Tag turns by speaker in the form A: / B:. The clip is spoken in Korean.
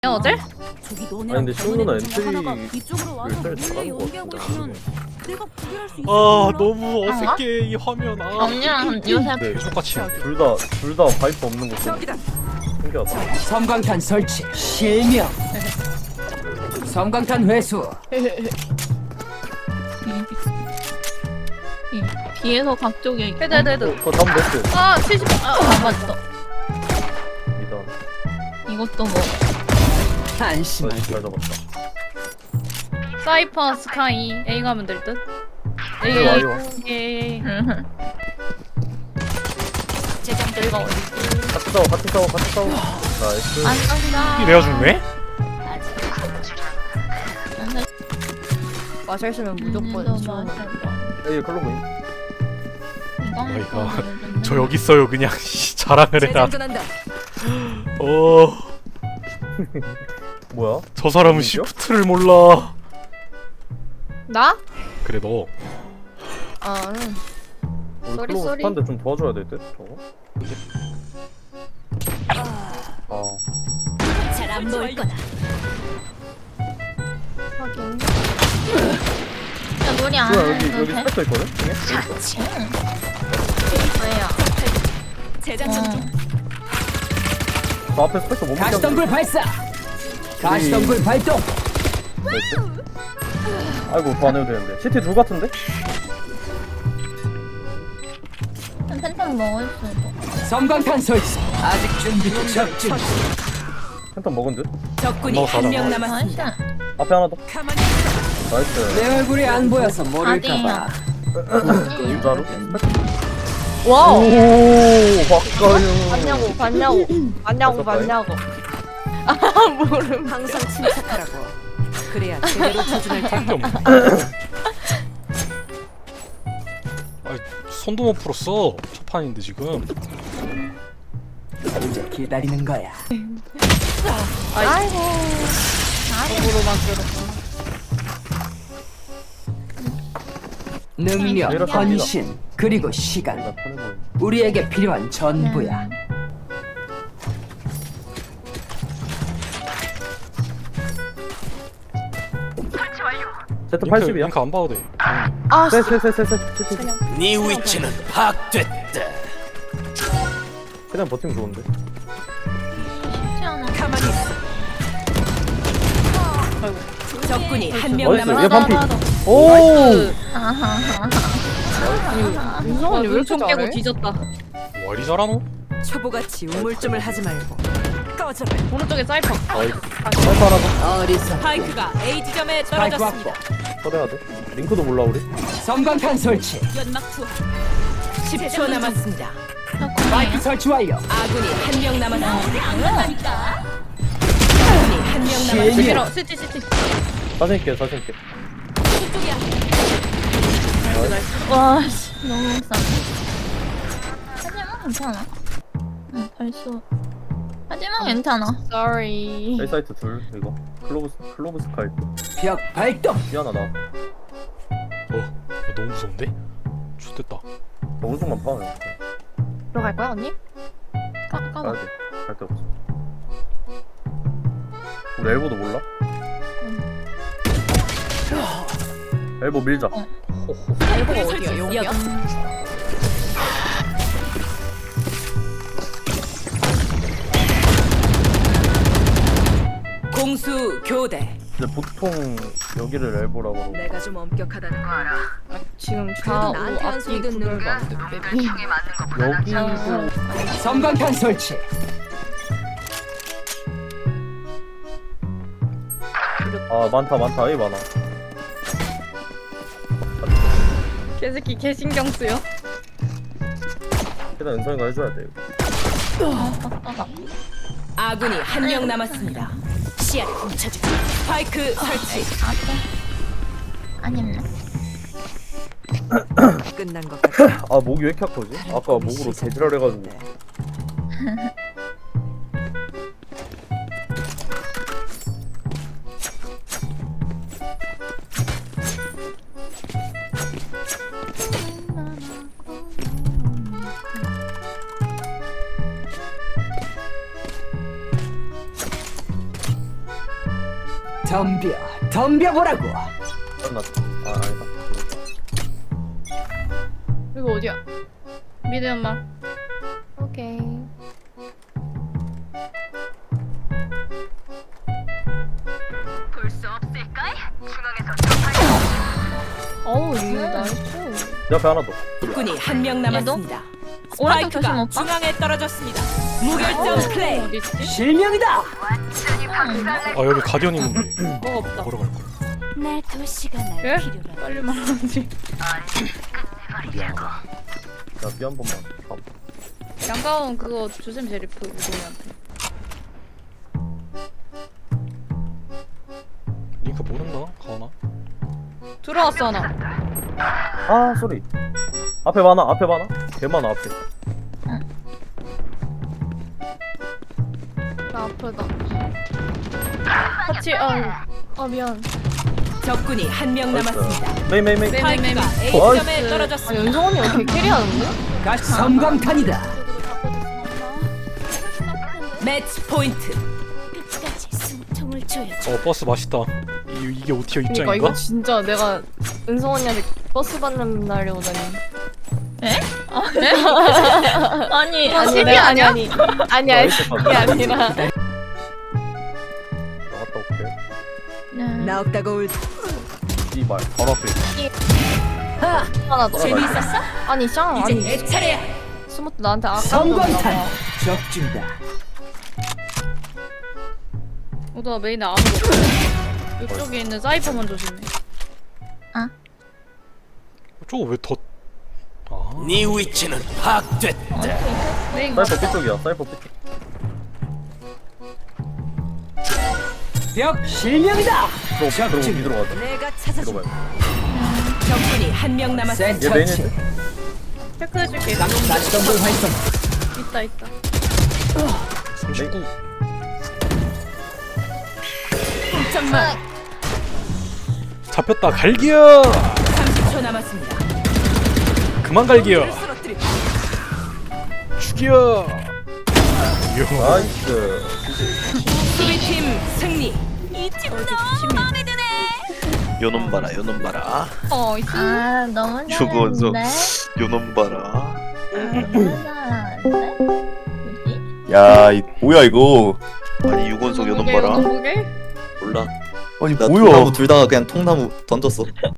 A: 어제?
B: 저기
C: 아니
B: 너네랑
C: 근데 시우 누나
B: 하다가
C: 엔트리
B: 이쪽으로 와서
C: 일자리
B: 몰래
C: 잘하는 것
B: 연기하고
C: 같은데.
B: 있으면 내가 구별할 수 있어.
D: 아 너무 어색해 이 화면. 아
A: 언니랑 요새
C: 네,
D: 똑같이.
C: 둘다 바이프 없는 거 신기하다.
E: 섬광탄 설치 실명. 섬광탄 회수.
A: 뒤에서 각쪽에 헤드
C: 그거 다음 냈어.
A: 아 70. 안 맞았어.
C: 이단.
A: 이것도 뭐
E: 한심하게.
C: 잘 잡았다.
A: 사이퍼 스카이 A 가면 될 듯.
C: A 와요.
A: A. 제장 들가 어디?
C: 같이 싸워. 나이스.
A: 안 쏜다.
D: 이 내가 죽네?
F: 마셨으면 무조건
C: A 클로브인.
D: 어이가 저 여기 있어요 그냥 자랑을 해라.
C: 뭐야?
D: 저 사람은
C: 누구죠?
D: 시프트를 몰라.
F: 나?
D: 그래 너.
F: 아,
C: 우리
F: 쏘리,
C: 클로브
F: 쏘리.
C: 스판데 좀 도와줘야 될 듯. 저거. 아.
B: 잘안 보일 거다.
F: 하긴.
A: 야 놀이 안
C: 뭐야
A: 해도
C: 여기
A: 돼?
C: 스펙터 있거든? 중에?
F: 왜야?
B: 재장전 중.
C: 저 앞에 스펙터 못 먹게
E: 가시덤불 발사. 가시덤불 발동.
C: 나이스. 아이고 더 안 해도 되는데. CT 둘 같은데?
A: 펜션 먹을 수도.
E: 섬광탄 설치. 아직 준비 적중.
C: 펜턴 먹은 듯?
B: 적군이
D: 넘어가자.
B: 한 명
A: 나이스.
B: 남았습니다.
C: 앞에 하나 더.
B: 가만히
C: 나이스.
E: 내 얼굴이 안 보여서 모를까봐.
C: 인자로?
F: 와우.
C: 오, 박가영.
F: 봤냐고. 아, 모름.
B: 항상 침착하라고. 그래야 제대로 조준할 테.
D: 할게 없네. 아 손도 못 풀었어. 첫 판인데 지금.
E: 이제 기다리는 거야.
F: 아이고.
E: 능력, 헌신, 그리고 시간.
C: 내가 편해 보여.
E: 우리에게 필요한 전부야.
C: 세트 80이야?
D: 링크 안 봐도 돼.
F: 아,
C: 세.
E: 네 위치는 파악됐다.
C: 그냥 버티면 좋은데.
A: 쉽지 않아.
B: 가만히 있어. 적군이 한 명
C: 나이스. 얘
B: 남았습니다.
C: 반피. 오!
A: 아하하.
F: 윤성언니 왜 이렇게 잘해?
A: 뒤졌다.
D: 와리 잘하노?
B: 초보같이 우물쭈물 하지 말고 꺼져라.
A: 오른쪽에 사이퍼.
C: 나이스. 사이퍼 하나 더.
E: 어리석.
B: 스파이크가 A 지점에
E: 스파이크
B: 떨어졌습니다.
E: 확보.
C: 쳐내야 돼. 링크도 몰라 우리.
E: 섬광탄 설치.
B: 연막 투하. 10초 남았습니다.
E: 마이크 설치 완료.
B: 아군이 한 명 남았습니다. 아군이 한 명 남았습니다.
E: 실명.
A: 시티.
C: 자신 있게.
A: 와, 씨, 너무 싸. 하지만 괜찮아. 응, 벌써. 하지만 괜찮아.
F: Sorry.
C: A 사이트 둘 이거. 클로브 스카이프.
E: 벽 발동.
C: 미안하다.
D: 너무 무서운데? 좋됐다.
C: 오른쪽만 봐.
F: 들어갈 거야 언니?
C: 가야
A: 까봐.
C: 돼. 갈 데 없어. 우리 엘보도 몰라? 엘보 밀자.
F: 엘보가 어디야? 여기야?
B: 공수 교대.
C: 근데 보통 여기를 엘보라고 그러고.
B: 내가 좀 엄격하다는 거 알아.
F: 지금 좌우
B: 나한테 한
F: 앞뒤
B: 소리 듣는
F: 구별도 안 돼.
C: 여기도
E: 섬광탄 설치.
C: 아 많다 A 많아.
A: 개새끼 개신경 쓰여.
C: 일단 은성이가 해줘야 돼.
B: 아군이 한 명 남았습니다. 시야를 훔쳐주지. 스파이크 설치.
A: 아니면
B: 끝난 것 같아.
C: 아 목이 왜 이렇게 아프지? 아까 목으로 개지랄 해가지고.
E: 덤벼보라고.
C: 끝났다. 아 아니다.
A: 이거 어디야? 미드 연막.
F: 오케이. 어우, 이 나이스.
C: 옆에 하나 더.
B: 적군이 한 명 남았습니다.
A: 오른쪽 조심
B: 스파이크가
A: 오빠.
B: 중앙에 떨어졌습니다. 무결점 플레이.
A: 어디 있지?
E: 실명이다.
D: 아 여기 가디언 있는데.
A: 뭐가 없다.
D: 보러 갈 걸.
B: 내 도시가 날
A: 예?
B: 필요로.
A: 빨리 말하지.
D: 미안하다.
C: 야삐 한 번만.
A: 양가운 그거 주셈 제리프 우동이한테.
D: 링크 모른다. 가오나?
A: 들어왔어 하나.
C: 아 소리. 앞에 많아. 앞에 많아. 개 많아 앞에.
F: 나 아프다. 같이, 미안.
B: 적군이 한 명 남았습니다.
C: 메이 메이 메이.
A: 메이.
B: 스파이크가
A: 네.
B: A점에
F: 아,
B: 떨어졌습니다.
F: 연성 언니 왜 이렇게 캐리하는데?
E: 가시 섬광탄이다.
B: 매치 포인트. 끝까지 숨통을 조여.
D: 버스 맛있다. 이게 오티어
F: 그니까
D: 입장인가?
F: 이거 진짜 내가 은성 언니한테 버스 받는 날이 오다니.
A: 아니
F: 아니,
A: 아니 아니야?
F: 아니야,
C: 이렇게
F: 그게 아니라.
C: 나갔다 올게.
A: 네.
B: 나 없다고 울.
C: 이발 바로 앞에.
F: 하나 더.
B: 재미있었어?
F: 아니, 쌍,
B: 이제
F: 아니.
B: 내 차례야.
F: 스모트 나한테 아까
E: 섬광탄 적중다.
A: 오다 메인에 아무도 없어. 이쪽에 있는 사이퍼만 조심해.
D: 저거 왜 더? 아.
E: 네 위치는 파악됐다.
A: 메인
C: 사이퍼 B쪽이야. 사이퍼 B쪽.
E: 벽 실명이다.
C: 들어오고 미드로 가자.
B: 내가 찾아준.
C: 들어가야
B: 적군이 한 명 남았습니다.
C: 얘 메인인데?
E: 센터치.
A: 체크해줄게.
E: 다시 덤불 활성.
A: 있다.
D: 39.
B: 잠깐만.
D: 잡혔다. 갈기야.
B: 30초 남았습니다.
D: 그만 갈기야.
B: 쓰러뜨리.
D: 죽여. 이야.
C: 나이스.
B: 수비팀 승리.
G: 요놈 봐라 요놈 봐라
A: 아 너무
G: 유건석
A: 잘했는데.
G: 요놈 봐라
A: 너무 잘하는데. 뭐지?
H: 야, 뭐야 이거?
G: 아니 유건석 요놈
A: 보게,
G: 봐라
A: 보게?
G: 몰라
H: 아니
G: 나
H: 뭐야?
G: 통나무 둘 다 그냥 통나무 던졌어